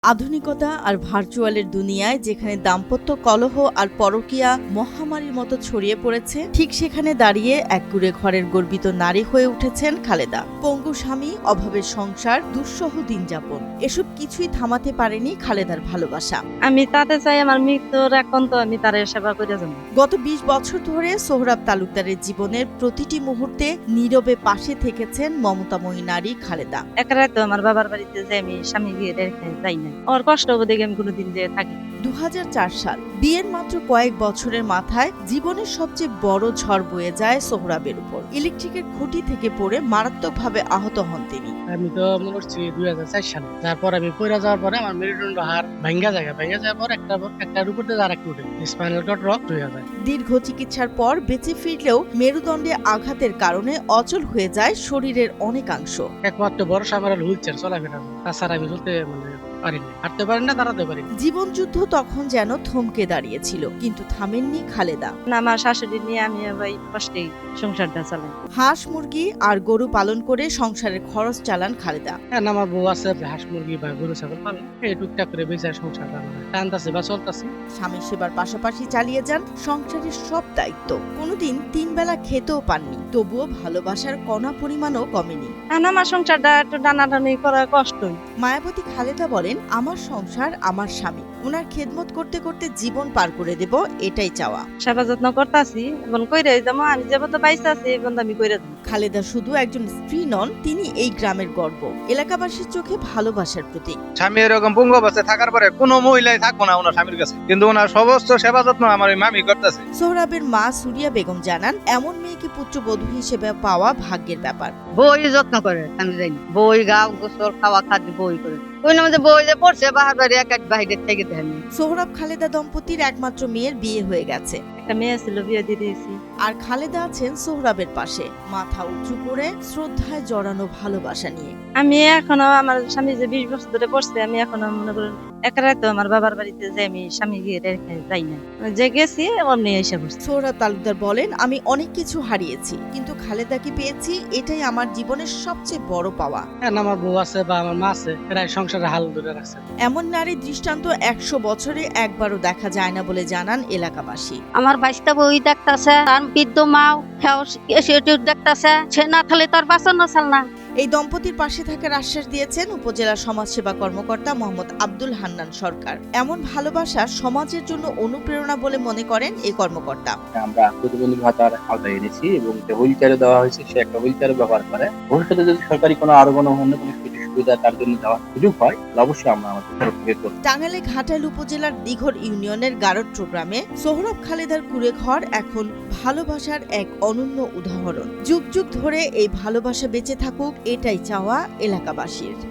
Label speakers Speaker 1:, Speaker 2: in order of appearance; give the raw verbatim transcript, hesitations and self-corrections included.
Speaker 1: আধুনিকতা আর ভার্চুয়ালের দুনিয়ায় যেখানে দাম্পত্য কলহ আর পরকীয়া মহামারীর মতো ছড়িয়ে পড়েছে, ঠিক সেখানে দাঁড়িয়ে এক কুঁড়ে ঘরের গর্বিত নারী হয়ে উঠেছেন খালেদা। পঙ্গু স্বামী, অভাবের সংসার, দুঃসহ দিনযাপন, এসব কিছুই থামাতে পারেনি খালেদার ভালোবাসা।
Speaker 2: আমি তাতে চাই আমার মৃত্যুর এখন তো আমি তার সেবা করে যাব।
Speaker 1: গত বিশ বছর ধরে সোহরাব তালুকদারের জীবনের প্রতিটি মুহূর্তে নীরবে পাশে থেকেছেন মমতাময়ী নারী খালেদা।
Speaker 2: একরাই তো আমার বাবার বাড়িতে যে আমি স্বামী গিয়ে রেখে যাই না, ওর কষ্ট দেখে আমি কোনোদিন যে থাকি।
Speaker 1: দু হাজার চার সাল, বিয়ের মাত্র কয়েক বছরের মাথায় জীবনের সবচেয়ে বড় ঝড় বয়ে যায় সোহরাবের উপর। ইলেকট্রিকের খুঁটি থেকে পড়ে মারাত্মকভাবে আহত হন তিনি।
Speaker 3: আমি তো মনে করছি দুই হাজার চার সালে, তারপর আমি পড়ে যাওয়ার পরে আমার মেরুদণ্ড হাড় ভাঙ্গা জায়গা ভেঙে যাওয়ার পর একটা একটার উপর দিয়ে আর একটা উঠে স্পাইনাল কর্ড রক হয়ে যায়।
Speaker 1: দীর্ঘ চিকিৎসার পর বেঁচে ফিরলেও মেরুদণ্ডে আঘাতের কারণে অচল হয়ে যায় শরীরের অনেকাংশ।
Speaker 3: একমাত্র ভরসা আমার হুইল চেয়ার চলাফেরা, তাছাড়া আমি চলতে মানে পারিনি, হাঁটতে পারি না, দাঁড়াতে পারি।
Speaker 1: জীবনযুদ্ধ তখন যেন থমকে দাঁড়িয়েছিল, কিন্তু থামেননি খালেদা।
Speaker 2: আমার শাশুড়ি নিয়ে আমি ওই কষ্টেই সংসারটা চালাই।
Speaker 1: হাঁস মুরগি আর গরু পালন করে সংসারের খরচ চালান খালেদা।
Speaker 3: হ্যাঁ, আমার বউ আছে হাঁস মুরগি বা গরু ছাগল পালন, এই টুকটাক করে বেঁচে সংসার চালানো টানতাছে বা চলতাছে।
Speaker 1: স্বামীর সেবার পাশাপাশি চালিয়ে যান সংসারের সব দায়িত্ব। কোনোদিন তিন বেলা খেতেও পাননি, তবুও ভালোবাসার কণা পরিমাণও কমেনি।
Speaker 2: আর আমার সংসারটা একটু টানাটানি করা কষ্টই।
Speaker 1: মায়াবতী খালেদা বলেন, আমার সংসার আমার স্বামী, ওনার খেদমত করতে করতে জীবন পার করে দেব, এটাই চাওয়া।
Speaker 2: সেবা যত্ন করতেছি, এখন কইরে যাবো, আমি যাবো তো বাইসে আছি, এখন আমি কইরে দেবো।
Speaker 1: খালেদা শুধু একজন স্ত্রী নন, তিনি এই গ্রামের গর্ব, এলাকাবাসীর চোখে ভালোবাসার প্রতীক।
Speaker 4: স্বামী এরকম পঙ্গু অবস্থায় থাকার পরে কোনো মহিলাই থাকবো না ওনার স্বামীর কাছে, কিন্তু ওনার সমস্ত সেবা যত্ন আমার ওই মামি করতেছে।
Speaker 1: সোহরাবের মা সুরিয়া বেগম জানান, এমন মেয়েকে পুত্রবধূ হিসেবে পাওয়া ভাগ্যের ব্যাপার।
Speaker 5: বই যত্ন করে, আমি জানি বই গা গোসল খাওয়া খাদ্য বই করে ওই নামে বই যে পড়ছে বাহার বাড়ি এক এক বাইরে থেকে দেন।
Speaker 1: সোহরাব খালেদা দম্পতির একমাত্র মেয়ের বিয়ে হয়ে গেছে,
Speaker 2: একটা মেয়ে ছিল, বিয়ে দিয়ে দিয়েছি।
Speaker 1: আর খালেদা আছেন সোহরাবের পাশে, মাথা উঁচু করে শ্রদ্ধায় জড়ানো ভালোবাসা নিয়ে।
Speaker 2: আমি এখনো আমার স্বামী যে বিশ বছর ধরে পড়ছে, আমি এখনো মনে করি একরাই তো আমার বাবার বাড়িতে যে আমি স্বামী গিয়ে রেখে যাই না, যে গেছি অমনি এসে বসছি।
Speaker 1: সোহরাব তালুকদার বলেন, আমি অনেক কিছু হারিয়েছি, কিন্তু খালেদাকে পেয়েছি, এটাই আমার জীবনের সবচেয়ে বড় পাওয়া।
Speaker 3: হ্যাঁ, আমার বউ আছে বা আমার মা আছে, এরা সংসারে হাল ধরে রাখছে।
Speaker 1: এমন নারী দৃষ্টান্ত একশো বছরে একবারও দেখা যায় না বলে জানান এলাকাবাসী।
Speaker 5: আমার বাইশটা বই দেখতাছে, তার বৃদ্ধ মাও সেটি দেখতাছে, সে না থাকলে তার বাঁচানো চাল না।
Speaker 1: এই দম্পতির পাশে থাকার আশ্বাস দিয়েছেন উপজেলা সমাজসেবা কর্মকর্তা মোহাম্মদ আব্দুল হান্নান সরকার। এমন ভালোবাসা সমাজের জন্য অনুপ্রেরণা বলে মনে করেন এই কর্মকর্তা।
Speaker 6: আমরা প্রতিবন্ধী ভাতার আওতায় এনেছি এবং যে হুইল চেয়ারে দেওয়া হয়েছে সে একটা হুইল চেয়ারে ব্যবহার করে। ভবিষ্যতে যদি সরকারি কোনো আরো কোনো অন্য কোনো সুবিধা তার জন্য দেওয়ার সুযোগ হয়, অবশ্যই আমরা আমাদের তরফ থেকে করব।
Speaker 1: টাঙ্গাইলে ঘাটাইল উপজেলার দিঘর ইউনিয়নের গারট্র গ্রামে সোহরাব খালেদার কুঁড়ে ঘর এখন ভালোবাসার এক অনন্য উদাহরণ। যুগ যুগ ধরে এই ভালোবাসা বেঁচে থাকুক, এটাই চাওয়া এলাকাবাসীর।